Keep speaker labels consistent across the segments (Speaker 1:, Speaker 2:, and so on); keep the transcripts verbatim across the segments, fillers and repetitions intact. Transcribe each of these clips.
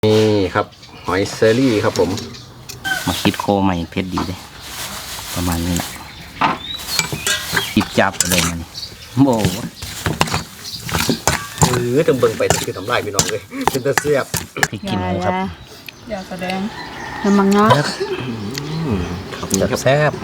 Speaker 1: นี่ครับหอยเซอรี่ครับผม
Speaker 2: มาคิดโคใหม่เพชรดีเลยประมาณนี้แหละจิบจับอะไรมันโบ้
Speaker 1: เออจะเบิ่งไปคือทำลายพี่น้องเลยเป็นตะเสียบ
Speaker 2: พริกขี้หนูครับ
Speaker 3: อย่าแสดงน้ำมันเนาะ
Speaker 1: ครับนี่ครับแซ่บ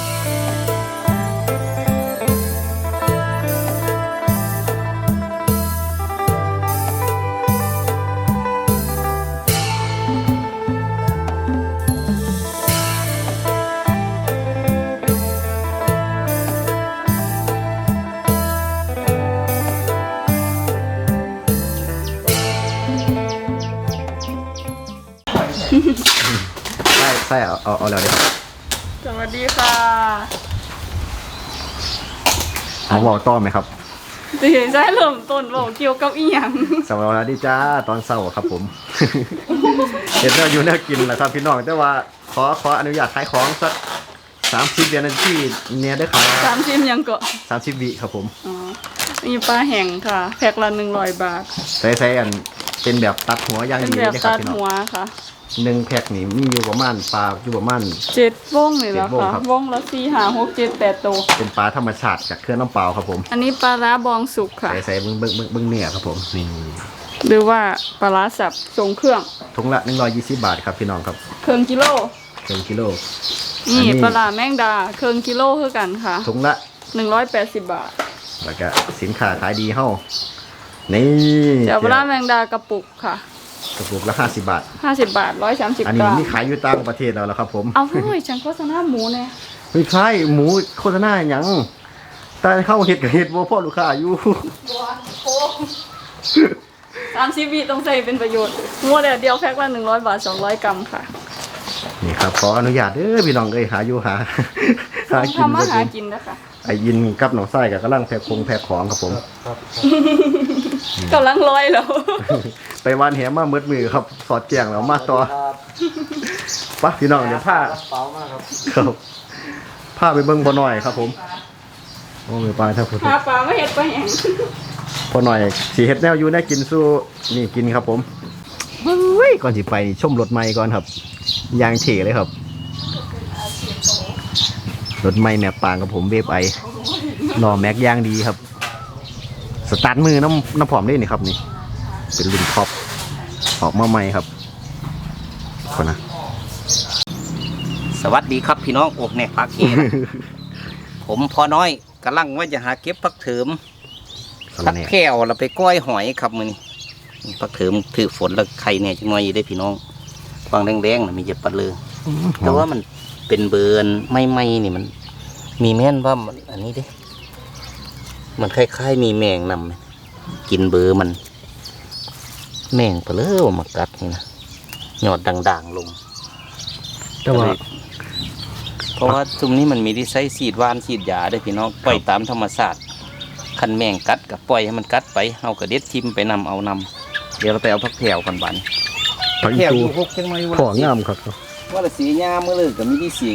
Speaker 1: ใช่ใช่เอาเอาเอาแล้วเดี๋ยว
Speaker 3: สวัสดีค่ะ
Speaker 1: เอาบอกต้อไหมครับ
Speaker 3: จะเห็นใช่เริ่มต้นบอกเกี่ยวกับอีหยัง
Speaker 1: สวัสดีจ้าตอนเช้าครับผมเห็นเราอยู่น่ากินแหละครับพี่น้องแต่ว่าขอขออนุญาตขายของสักสามสิบเดือนนาทีเนี่ยได้ครับ
Speaker 3: สามสิบยังก็
Speaker 1: สามสิบวิครับผม
Speaker 3: อ๋อมีปลาแห้งค่ะแพ็คละหนึ่งร้อยบาท
Speaker 1: ใส่ใส่อันเป็นแบบตัดหัวย่างดี
Speaker 3: เลยครับพี่น้องตัดหัวค่ะ
Speaker 1: หนึ่งแพ็คนี่มีอยู่ประมาณปลาอยู่ประมาณ
Speaker 3: เจ็ดวงเลยแล้วค่ะวงละสี่ห้าหกเจ็ดแปดตัว
Speaker 1: เป็นปลาธรรมชาติจากเครื่องน้ำเปล่าครับผม
Speaker 3: อันนี้ปลาร้าบองสุกค่ะ
Speaker 1: ใส่ใส่เบิ้งเบิ้งเบิ้งเนื้อครับผมนี่
Speaker 3: หรือว่าปลาร้าสับทรงเครื่อง
Speaker 1: ถุงละหนึ่งร้อยยี่สิบบาทครับพี่น้องครับ
Speaker 3: เครื่องกิโล
Speaker 1: เครื่องกิโล
Speaker 3: นี่ปลาร้าแมงดาเครื่องกิโลเท่ากันค่ะ
Speaker 1: ถุงละ
Speaker 3: หนึ่งร้อยแปดสิบบาท
Speaker 1: แล้วก็สินค้าขายดีเฮ้านี่
Speaker 3: เดี๋ยวปลาร้าแมงดากระปุกค่ะ
Speaker 1: กระปุกละห้าสิบบาท
Speaker 3: ห้าสิบบาทร้อยสามสิบ
Speaker 1: อันนี้มีขายอยู่ต่างประเทศแล้วครับผม
Speaker 3: เอาเฮ้ยฉันโฆษณาหมูเนี่ย
Speaker 1: ไม่ใช่หมูโฆษณาอย่างแต่เข้าเห็ดกับเห็ดว่าพ่อลูกค้าอยู่
Speaker 3: สามสิบวิต้องใส่เป็นประโยชน์มัวแต่เดียวแพ็คละหนึ่งร้อยบาทสองร้อยกรัมค่ะ
Speaker 1: นี่ครับขออนุญาตเด้อพี่น้องเอ้ยหาอยู่หา
Speaker 3: หากินทำมาหากินนะคะ
Speaker 1: ไอ้ยินกับหนองไส้กับกำลังแพ็คคงแพ็คของครับผม
Speaker 3: กำลังลอยแล้ว
Speaker 1: ไปวันแหมมาเมืดมือครับสอดแจงแล้วมาต่อปะพี่น้องเดี๋ยวผ้าเปล่ามากครับครับผ้าไปเบิ้งพอหน่อยครับผมโอ้ยปลาถ้าพูด
Speaker 3: ปลาปลาไม่เห็ดไปแห้ง
Speaker 1: พอหน่อยสีเห็ดแนวอยู่แน่กินสู้นี่กินครับผมเฮ้ยก่อนสิไปชมรถใหม่ก่อนครับยางเฉเลยครับรถใหม่แม็กปางกับผมเวฟไอหล่อแม็กยางดีครับสตาร์ทมือน้ำน้ำผอมได้นี่ครับนี่เป็นรุ่นท็อปออกมาใหม่ครับคนนะ
Speaker 2: สวัสดีครับพี่น้องอกแนกพักเองผมพอน้อยกำลังว่าจะหาเก็บพักเถิมพักแก้วเราไปก้อยหอยครับมือนี่พักเถิมถือฝนแล้วไข่เนี่ยจังหน่อยได้พี่น้องฟังแดงๆนะมีเจ็บปลาเลยแต่ว่ามันเป็นเบิร์นไม่ไม่นี่มันมีแม่นว่ามันอันนี้ดิมันคล้ายๆมีแมงนำกินเบอร์มันแมงเปลือกมากัดนี่นะหยอดด่างๆลงแต่ว่าเพราะว่าตรงนี้มันมีที่ใช้ฉีดวานฉีดยาได้พี่น้องปล่อยตามธรรมชาติคันแมงกัดกับปล่อยให้มันกัดไปเอากระเด็ดทิมไปนำเอานำเดี๋ยวเราไปเอาพักแผ่วกันบ้าน
Speaker 1: พักแผ่วอยู่พวกจังไงวะของงามครับ
Speaker 2: ว่าละสีงามเมื่อเลยกับมีที่สี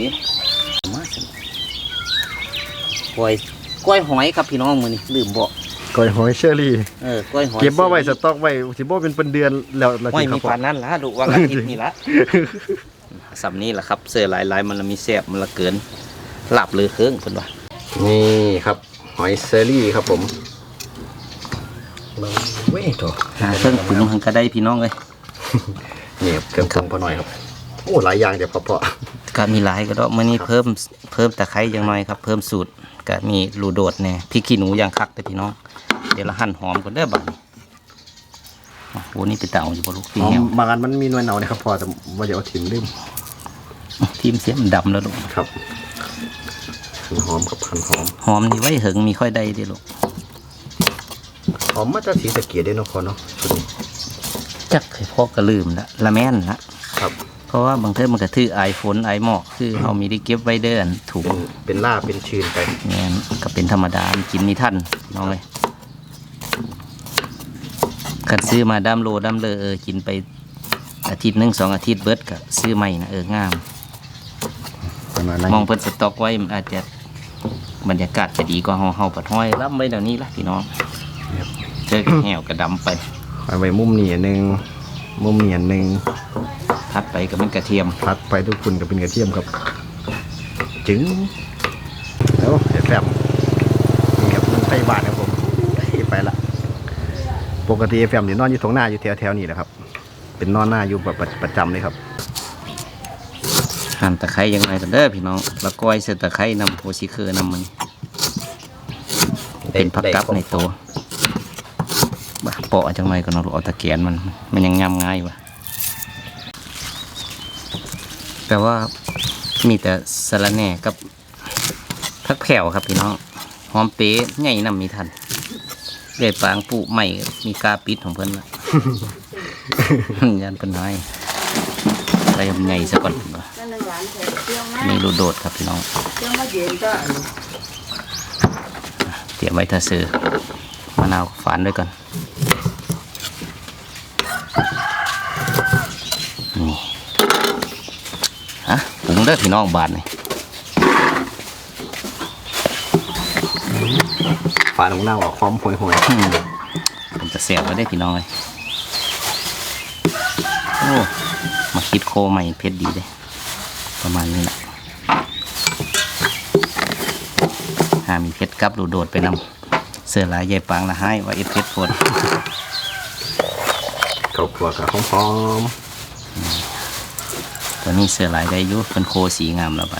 Speaker 2: กล้วยกล้วยหอยครับพี่น้องมือนี่ลืมบอก
Speaker 1: กล้วยหอยเชอรี่
Speaker 2: เออกล้วยหอย
Speaker 1: เก็บบ่ไว้สต็อกไว้สิบ่เป็นเป็นเดือนแล้ว
Speaker 2: ไม่มีผ่านนั้นละดูว่าอาทิตย์นี่ละสำนี้แหละครับเสื้อลายลายมันละมีแสบมันละเกินหลับเลยเครื่องคนวะ
Speaker 1: นี่ครับหอยเชอรี่ครับผมเว้ยโถ
Speaker 2: หาเครื่องปรุงทางกระไดพี่น้องเลย
Speaker 1: นี่เครื่องปรุงพอหน่อยครับโอ้หลายอย่างเดี๋ยวพอพอ
Speaker 2: ก็มีหลายก็ได้มื่อนี้เพิ่มเพิ่มตะไคร้อย่างน้อยครับเพิ่มสูตรก็มีลูโดดแน่พริกขี้หนูอย่างคักแต่พี่น้องเดี๋ยวเราหั่นหอมก่อนเด้อบัดนี้โอ้นี่เป็นเต่าอยู่บนลูกพี่เหี่ยว
Speaker 1: บางอันมันมีหน่วยเน่านะครับพอแต่ว่าเดี๋ยวถิ่มลืม
Speaker 2: ทีมเสียมันดำแล้วลูก
Speaker 1: ครับหอมกับพันหอม
Speaker 2: หอมนี่ไว้เหิงมีค่อยได้ดิลูก
Speaker 1: หอมมาจากสีสะเกียดได้เนาะคนเนาะ
Speaker 2: จักเคยพอกระลืมละละแม่นนะครับเพราะว่าบางเทอมันกระทือไอฝนไอหมอกคือเขามีได้เก็บไว้เดินถูก
Speaker 1: เป็นล่าเป็นชื้นไป
Speaker 2: เนี่ยก็เป็นธรรมดากินมีท่านน้องเลยขัดซื้อมาดัมโลดัมเลอเออกินไปอาทิตย์หนึ่งสองอาทิตย์เบิร์ดกับซื้อใหม่นะเอองามมองเพิ่นสต็อกไว้อาจจะบรรยากาศจะดีกว่าเฮาเฮาปัดห้อยรับไว้เดี๋ยวนี้ละพี่น้องเจอแหวกระดำไป
Speaker 1: เอาไว้มุมนี่นึงมุมเหนียนหนึ่ง
Speaker 2: ทัดไปก็เป็นกระเทียม
Speaker 1: พัดไปทุกคนก็เป็นกระเทียมครับจึงแล้วเดี๋ยวแฟมนี่ครับมันไต้หวันครับผมไปละปกติแฟมเนี่ยนอนอยู่ตรงหน้าอยู่แถวๆนี้แหละครับ เป็นนอนหน้าอยู่แบบประจำเลยครับ
Speaker 2: หั่นตะไคร้ยังไงกันเด้อพี่น้องแล้วก้อยเสือตะไคร้นำโพชิเคอร์นำมันเป็นผักกับในตัวบ้าเปาะจังไรก็นอนเอาตะแกนมันมันยังยำง่ายวะแต่ว่ามีแต่สะระแหน่กับผักแผ่วครับพี่น้องหอมเป๊ะใหญ่นำมีทันเลื่อยปางปูใหม่มีกาปิดของเพิ่นละ ยันเป็นน้อยอะไรใหญ่ซะก่อนมีรูโดดครับพี่น้องเตรียมไว้ถ้าซื้อมะนาวฝานด้วยก่อนนี่ฮะปรุงเด้อพี่น้องบาทนี่
Speaker 1: ฝาของหน้าออกพร้อมห่วย
Speaker 2: อืมผมจะเสียบไว้ได้พี่น้องเลยโอ้มาคิดโคใหม่เพชรดีเลยประมาณนี้แหละหามีเพชรกับรูโดดไปนำเสื้อลายใหญ่ปางละให้ว่าเอฟเพชรโฟน
Speaker 1: ๆข้าวคั่วกับหอม
Speaker 2: ตัวนี้เสื้อลายได้อยุเป็นโคสีงามแล้วบัด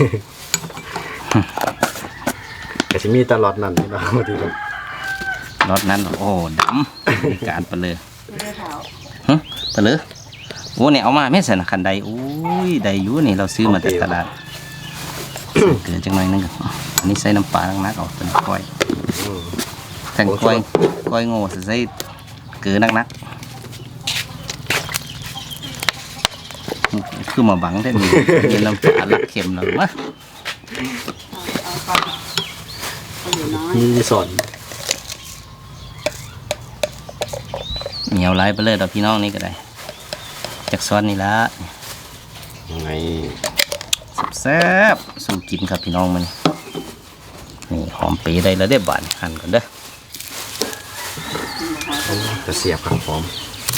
Speaker 1: ๆกระชิมีตลอดนั่นนี่นะบางทีครับ
Speaker 2: รถนั้นโอ้ดำมีการไปเลยฮะไปเลยโอ้เนี่ยเอามาไม่ใส่นะคันใดอุ้ยใดอยุนี่เราซื้อมาจากตลาดเกินจังหน่อยนึงอันนี้ใส่น้ำปลาลังนักออกเป็นก้อย
Speaker 1: อืม
Speaker 2: แต่งก้อยก้อยโง่ใส่เกลือนักนักคือมาบังได้มีมีน้ำปลาลักเค็มหน่อยวะ
Speaker 1: มีสอน
Speaker 2: เหนียวไล่ไปเลยดอกพี่น้องนี่ก็ได้จากซ้อนนี่ละ
Speaker 1: ยังไง
Speaker 2: แซ่บๆสู้กินครับพี่น้องมันนี่หอมปีได้แล้วได้บานหั่นกันเด้อ
Speaker 1: จะเสียบครับพร้อม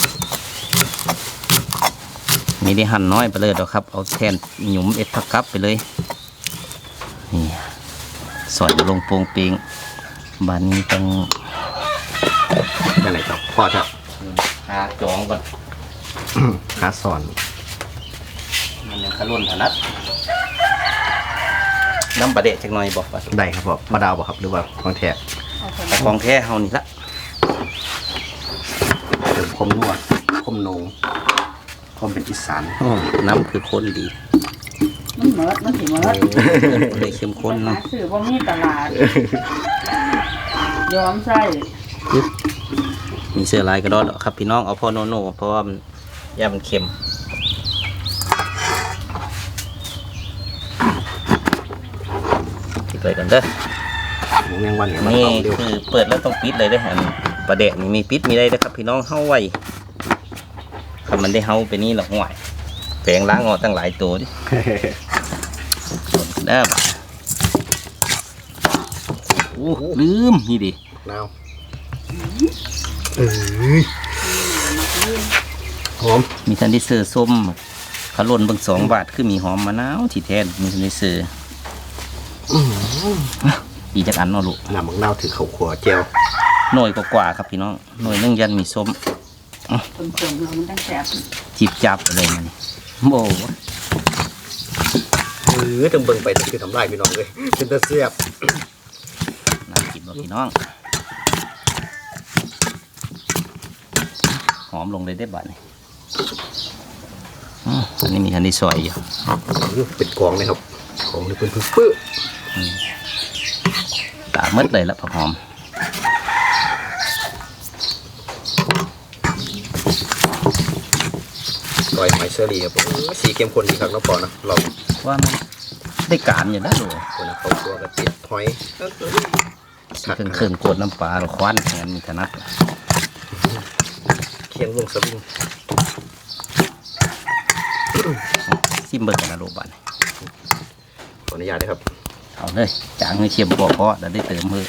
Speaker 2: มีได้หั่นน้อยไปเลยดอกครับเอาแทนหยุมเอ็ดผักกับไปเลยนี่สอยลงโปงเปงบานนี้ต้อง
Speaker 1: ยังไงครับพ่อจะ
Speaker 2: หาจองก่อน
Speaker 1: หาสอน
Speaker 2: มันยังขลุ่นถนัดน้ำปลาเดะจักหน่อยบอกว่า
Speaker 1: ได้ครับพ่อมาดาวบอกครับหรือว่าของแท้
Speaker 2: แต่ของแท้เฮานี่ละ
Speaker 1: เติมคมนัวคมนงคมเป็นอีสาน
Speaker 2: โอ้น้ำคือข้นดี
Speaker 3: มันเหมิดมันสิเหมิด
Speaker 2: เลยเข้มข้น
Speaker 3: หา
Speaker 2: เนาะ
Speaker 3: ซื้อบ่มีตลาดยอมใส่
Speaker 2: มีเสื้อลายกระดอดครับพี่น้องเอาพ่อโนโน่เพราะว่ามันย่ามันเค็มปิดไปกันเด้อ
Speaker 1: หมูแมงวันเนี่ยมัน
Speaker 2: นี่
Speaker 1: ต้องเร็ว
Speaker 2: คือเปิดแล้วต้องปิดเลยเด้ออันปลาแดกนี่มีปิดมีได้นะครับพี่น้องเฮาไว้ถ้ามันได้เฮาไปนี่หรอกห่วยแฝงล้างออกตั้งหลายตัวดิได้ปะโอ้ลืมนี่ดิ
Speaker 1: นาวเอ้ยหอม
Speaker 2: มีทันที่เสือส้มขลุ่นเบางสองบาทคือมีหอมมะนาวที่แท้มีทันที่เสือดีจักอันเนาะลูก
Speaker 1: น้ำมังนาวถือเขาขัวเจียว
Speaker 2: หน่วยกว่าๆครับพี่น้องหน่วยนึงยันมีส้ม
Speaker 3: คนๆเรามันตั้งแซ่บ
Speaker 2: จิบจับอะไรมันโอ้
Speaker 1: เออจังเบิ่งไปจะคือทำลายพี่น้องเลยเป็นตะเสียบ
Speaker 2: น่ากินบ่พี่น้องหอมลงเลยได้บัดนี่อืมอันนี้มีทันที่ซอยอยู่
Speaker 1: เป็นกองเลยครับของนี่เป็นปื้อ
Speaker 2: ตามืดเลยละผักหอม
Speaker 1: ๆก้อยหอยเชอรี่ครับผมสีเข้มข้นดีครับน้องปอนะเรา
Speaker 2: ว่ามันได้การอยู่นะลูก
Speaker 1: คนนะเขาตัวกระติดหอย
Speaker 2: เครื่องเครื่องโกดน้ำปลาหรือควันแทนมีถนัด
Speaker 1: เคียงลงสวิง
Speaker 2: ซิมเบิร์กันนะลูกบัดนี่
Speaker 1: ขออนุญาตนะครับ
Speaker 2: เอาเลยจางให้เชียมบ่เพราะเดี๋ยวได้เติมเพิ่ม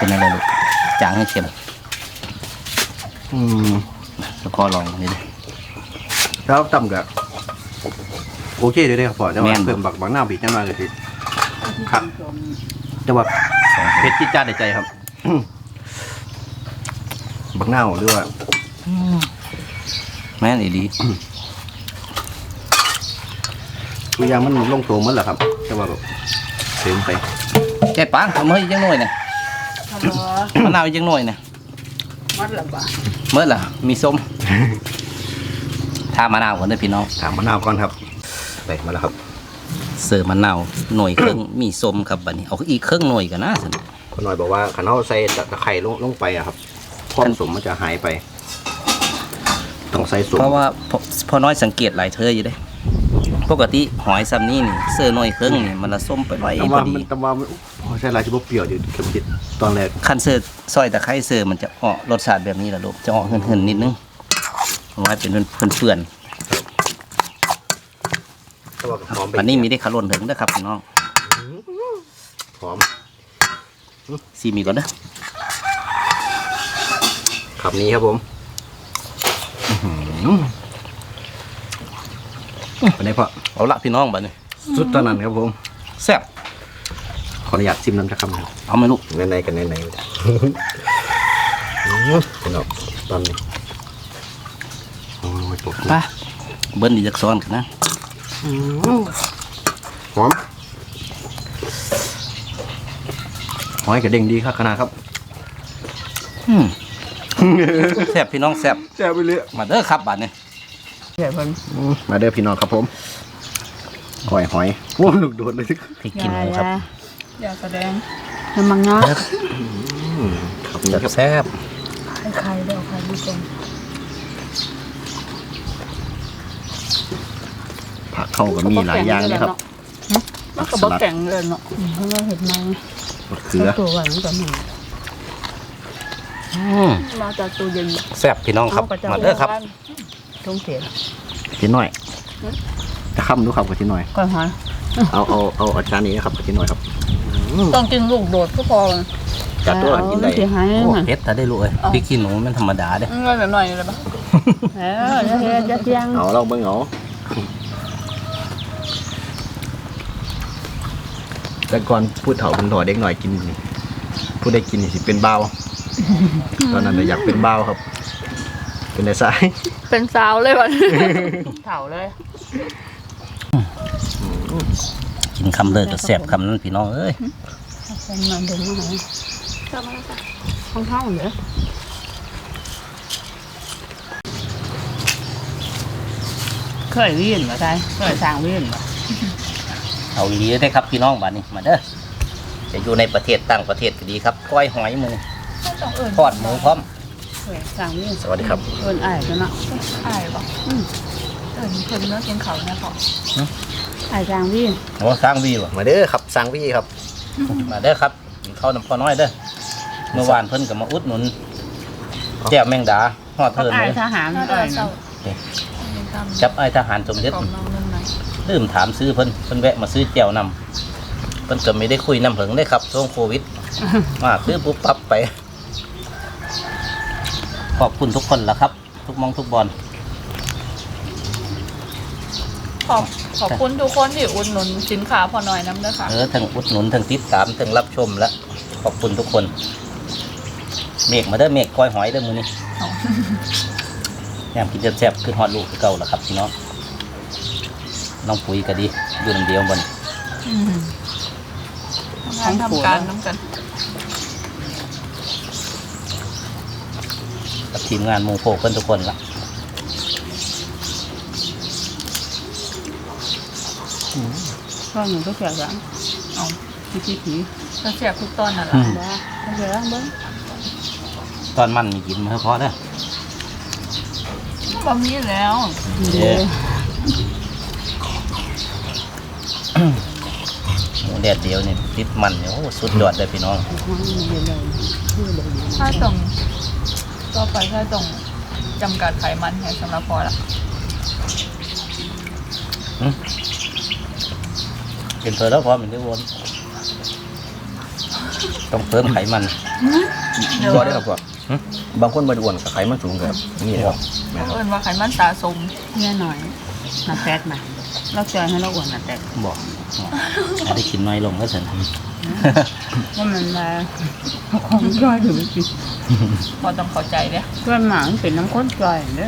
Speaker 2: เป็นอะไรลูกจางให้เค็ม
Speaker 1: อืม
Speaker 2: แล้วก็ลองนี่เลย
Speaker 1: แล้วต่ำกับโอเคเลยครับพ่อจะ
Speaker 2: แม่
Speaker 1: ว่าน เพิ่มบักบักหน้าบีจังหน่อยก็สิครับจะว่าเผ็ดจี๊ดจ้าดในใจครับ บักหน้าหรือว่า
Speaker 2: แม่นอีดี
Speaker 1: ตัวอยางมันลงตัวหมันแหละครับแต่ว่าแบบเติมไป
Speaker 2: แก่ปังเอามาอีกจังหน่อยเนี่ย
Speaker 3: ฮัลโหล
Speaker 2: มะนาวอีกจังหน่อยเนี่ย
Speaker 3: มัดละบาท
Speaker 2: เมื่อล่ะมีส้มทามะนาวก่อนเด้อพี่น้อง
Speaker 1: ถามมะนาวก่อนครับไปมาแล้วครับ
Speaker 2: เสิร์ฟมะนาวหน่วยครึ่ง มีส้มครับบัดนี้เอาอีกครึ่งหน่วยกันนะสิ
Speaker 1: คนหน่อยบอกว่าขันเอาใส่ตะไคร้ลงลงไปอะครับความสมมันจะหายไปต้องใส่สม
Speaker 2: เพราะว่าพอพอน้อยสังเกตหลายเธออยู่เด้ปกติหอยซ้ำนี่นี่เสื้อหน่วยครึ่งนี่มันละส้มไปไว้
Speaker 1: แต่
Speaker 2: พ
Speaker 1: ว่า
Speaker 2: อดี
Speaker 1: มันแต่ว่ามันโอ้ใช่ลายจะบ่เปรี้ยวอยู่เข็มจิตตอนแรก
Speaker 2: คันเสื้อซอยตะไคร้เสื้อมันจะออกรสชาติแบบนี้แหละลูกจะออกเหินๆนิดนึงเอาไว้เป็นเพื่อน
Speaker 1: แต่ว่าหอม
Speaker 2: ๆ
Speaker 1: ไป
Speaker 2: อันนี้มีได้ขลุ่นถึงนะครับพี่น้อง
Speaker 1: หอม
Speaker 2: ซีมีก่อนเด้อ
Speaker 1: ขับนี้ครับผมเป็นไงพ่อ
Speaker 2: เอาละพี่น้องบัดนี้
Speaker 1: สุดตอนนั้นครับผม
Speaker 2: แซ่บ
Speaker 1: ขออนุญาตชิมน้ำจะคำหนึ่ง
Speaker 2: เอาไหมลูก
Speaker 1: ในๆกันในๆเป็นออกตอนนี้โอ้ยปวด
Speaker 2: ไปเบิ้ลดีจักซ้อนกันนะ
Speaker 1: หอมหอยกระเด้งดีครับขนาดครับ
Speaker 2: อืมแซ่บพี่น้องแซ่บ
Speaker 1: แซ่บไปเลย
Speaker 2: มาเด้อครับบัดนี้
Speaker 3: ใหญ่เพิ่น
Speaker 1: มาเด้อพี่น้องครับผมหอยหอยโอ้ลูกโดดเลย
Speaker 2: พริกขี้หนูครับ
Speaker 3: อย่าแสดงน้ำมันงา
Speaker 1: ครับนี่ครับ
Speaker 2: แซ่บ
Speaker 3: ไข่เดี๋ยวไข่ดูก่อน
Speaker 1: ผักเข้ากับมีหลายอย่างนะครับ
Speaker 3: มันก็บ่แข็งเลยเนาะเพราะว่าเห็ดมัน
Speaker 1: มะเขือ
Speaker 3: ตัวหวานกว่าหนึ่ง
Speaker 2: อืม
Speaker 3: มาจากตัวเย็น
Speaker 2: แซ่บพี่น้องครับมาเด้อครับ
Speaker 3: ทงเสีย
Speaker 1: ชิ้นหน่อยจะค้ำดูครับกับชิ้นหน่อย
Speaker 3: ก่อนหอย
Speaker 1: เอาเอาเอาอาจารย์นี้นะครับกับชิ้นหน่อยครับ
Speaker 3: ต้องกินลูกโดดก็พอ
Speaker 1: จัดตัวกินได้
Speaker 3: เสียหาย
Speaker 2: โอ้
Speaker 3: หน่อย
Speaker 2: เผ็ดถ้าได้ลูกเอ้ยพริกขี้หนูมันธรรมดาเด้อ
Speaker 3: เงินแบบหน่อยเลยปะเออจะเฮ็ดจะเที่ยง
Speaker 1: เอาเราเบิ่งเอาแต่ก่อนพูดเถ่าเป็นหน่อเด็กหน่อยกินนี่พูดได้กินนี่สิเป็นเบาตอนนั้นน่ะอยากเป็นเบาครับ เป็นในสาย
Speaker 3: เป็นสาวเลยวันเถ่าเลย
Speaker 2: กินคำเลิศก็แซ่บคำนั้นพี่น้องเอ้ย
Speaker 3: เป็นมันเป็นยังไงกลับมาแล้วจ้ะห้องเท่าเหรอเคยวิ่งเหรอใช่เคยสร้างวิ่งเหรอ
Speaker 2: เอาอีหลีได้ครับพี่น้องบัดนี้มาเด้อจะอยู่ในประเทศต่างประเทศก็ดีครับก้อยหอยมือ
Speaker 3: ต้องเอิญ
Speaker 2: ทอดหมูพร้อม
Speaker 3: เคยสร้างวิ่ง
Speaker 1: สวัสดีครับ
Speaker 3: เอิญอายกันเนาะอายปะอืมเอิญคนเนื้อกินเขาเนี่ยพออายสร้างวิ่ง
Speaker 2: โอ้สร้างวีวะ
Speaker 1: มาเด้อครับสังพี่ครับ
Speaker 2: มาเด้อครับกินข้าวน้ำพอน้อยเด้อเมื่อวานเพิ่นก็มาอุดหนุนแจ่วแมงดาฮอด
Speaker 3: กับ
Speaker 2: เทิน
Speaker 3: อาย
Speaker 2: เลย
Speaker 3: ทหารเอิญ
Speaker 2: จับไอ้ทหารสมเด็จลืมถามซื้อเพิ่นเพิ่นแวะมาซื้อแจ่วนำเพิ่นก็ไม่ได้คุยนำเผิงได้ครับช่วงโควิด มาซื้อปุ๊บปั๊บไป ขอบคุณทุกคนละครับ ทุกมองทุกบอล
Speaker 3: ขอบขอบคุณทุกคนที่อุดหนุนสินค้าพอหน่อยน้ำเด้อค่ะ
Speaker 2: เออทั้งอุดหนุนทั้งติดตามทั้งรับชมและขอบคุณทุกคน เมฆมาเด้อเมฆก้อยหอยเด้อมือนี้แยมกินแซ่บๆคือฮอดลูกคือเก่าละครับพี่น้องน้องปุ๋ยก็ดีอยู่ลำเดียวบน
Speaker 3: งานทำการน้ำกัน
Speaker 2: กับทีมงานหมูโพกเพิ่นทุกคนละ
Speaker 3: ก็หนูก็เสียจังเอาผีผีผีก็เสียทุกตอนน่ะล่ะบ้าก็เสียแล้วเบิ้ง
Speaker 2: ตอนมันมีกินมาเพาะเด้อ
Speaker 3: บ่มีแล้ว
Speaker 2: เด้อหมูแดดเดียวนี่ติดมันเนี่ยโอ้สุดยอดเลยพี่น้อง
Speaker 3: ถ้าต้องต่อไปถ้าต้องจำกัดไขมันให้สำหรับพอละ
Speaker 2: เป็นเธอแล้วพร้อมเป็นที่วนต้องเพิ่มไขมัน
Speaker 1: บ่ได้ครับพ่อบางคนบ่ได้อ้วนกับไขมันสูงครับนี่นะครับแม่นครับ
Speaker 3: เอิ้นว่าไขมันสะสมเนี่ยหน่อยน่ะแฟตมาเราจอยให้เราอ้วนน่ะแต่
Speaker 2: บอกอาจจะกินน้อยลงก็เถอะ
Speaker 3: ว่ามันมาของจอยถึงสิพอต้องเข้าใจเด้เพื่อนหมามันเป็นน้ำข้นจอยเด้อ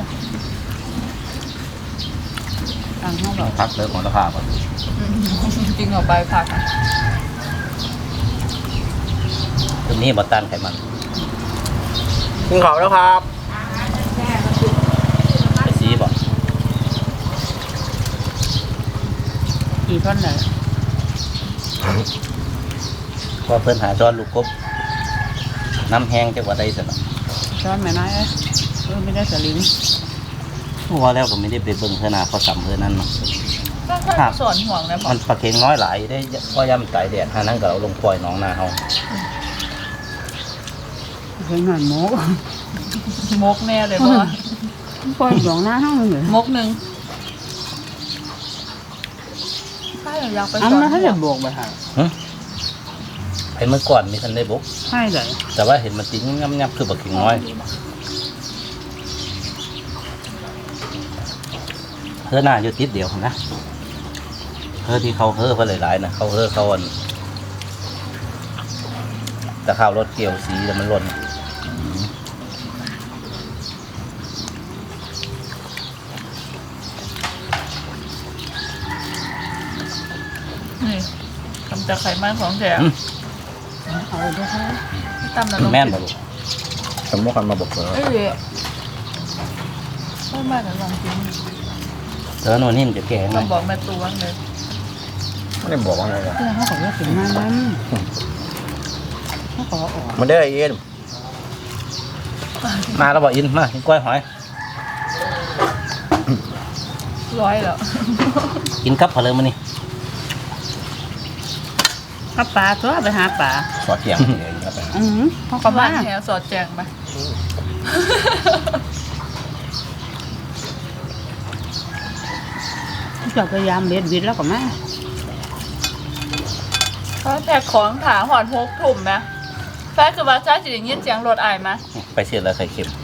Speaker 3: ทางห้องเรา
Speaker 2: พักเลิกของราคาก่อน
Speaker 3: จริงเอาไปพัก
Speaker 2: ตัวนี้บอตันไขมัน
Speaker 1: กินข้าวแล้วครับ
Speaker 2: ไปซีบอก
Speaker 3: กี่ท่อนไหน
Speaker 2: พอเพิ่นหาจอนลูกกบน้ำแห้งจะว่าได้สินะ
Speaker 3: ช้อนไหมน้อยเอ้ยเออไม่ได้สลิง
Speaker 2: พอแล้วก็ไม่ได้ไปเบิ่งเพื่อนาเขาสัมเพื่อนั้นเนาะ
Speaker 3: ก็แค่สอนห่วงนะบอ
Speaker 2: มันปลาเค็งน้อยหลายได้ก็ย่ำไก่แดดหานั้นก็เราลงปล่อยหน้องนาเฮา
Speaker 3: เพิ่งหน่อยมกมกแน่เลยบ่ปล่อยหลวงหน้าห้องเลยมกหนึ่งถ้าอยากไปสอนถ้าจะบวกไปหา
Speaker 2: ไอ้เมื่อก่อนมีทันได้บุก
Speaker 3: ใช่เลย
Speaker 2: แต่ว่าเห็นมันติ้งงับงับคือปลาเค็งน้อยเพื่อหน้าอยู่ติดเดียวนะเพื่อที่เขาเฮ้อเพื่อหลายๆนะเขาเฮ้อเขาอันแต่ข้าวรถเกี่ยวสีแล้วมันหล่น
Speaker 3: นี่ทำจากไขมันของแท้เอาด้วยค่ะตำนรก
Speaker 2: แม่นบ่ลูก
Speaker 1: สมมุติคันมาบอกเลย
Speaker 3: เอ้ยไม่มาแต่ลองกิน
Speaker 2: เธอโน่นนี่มันจะแก่ไหม
Speaker 3: ต้องบอกแม่ตัวเลย
Speaker 1: ไม่ได้บอกว่าอะไร
Speaker 3: เพื่อนเขาบอกว่าถึงมานั้นเขาขอออก
Speaker 1: มันได้เอ็น
Speaker 2: มาแล้วบอกอินมากินกล้วยหอย
Speaker 3: ร้อยแล้ว
Speaker 2: กินกับเผลอมานี่
Speaker 3: หาปลาตัวไปหาปลา
Speaker 1: สอดเที่ยงเลยครับ
Speaker 3: อือเขาก็มาแถวสอดแจงไปจะพยายามเบ็ดวิดแล้วก็มาเขาแจกของขาหอดหกถุ่มไหมแฟนคือว่าจ้าจะได้ยินเสียงรถอายไหม
Speaker 2: ไปเสียแล้วไข่เค็ม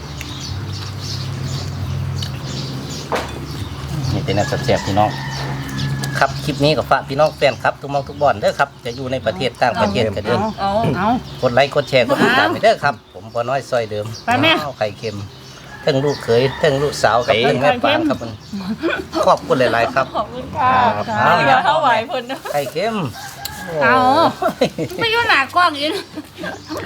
Speaker 2: นี่เป็นอันแซ่บๆพี่น้องครับคลิปนี้กับฝากพี่น้องแฟนครับทุกหมองทุกบอนเด้อครับจะอยู่ในประเทศต่างประเทศกันเด้อ
Speaker 3: เอาเอา
Speaker 2: กดไลค์กดแชร์กดติดตามไปเด้อครับผมพอน้อยซอยเดิม
Speaker 3: ไปแม่
Speaker 2: อ้าวไข่เค็มทั้งลูกเขยทั้งลูกสาวกับทั้งแม่ปานครับมันขอบคุณหลายๆครับ
Speaker 3: ขอบคุณค่ะ
Speaker 2: เอา
Speaker 3: เดี๋ยวเท่าไหวเพิ่น
Speaker 2: ไข่เค็ม
Speaker 3: เอา
Speaker 2: โอ้ย
Speaker 3: ไม่ยุ่งหนากล้องอีก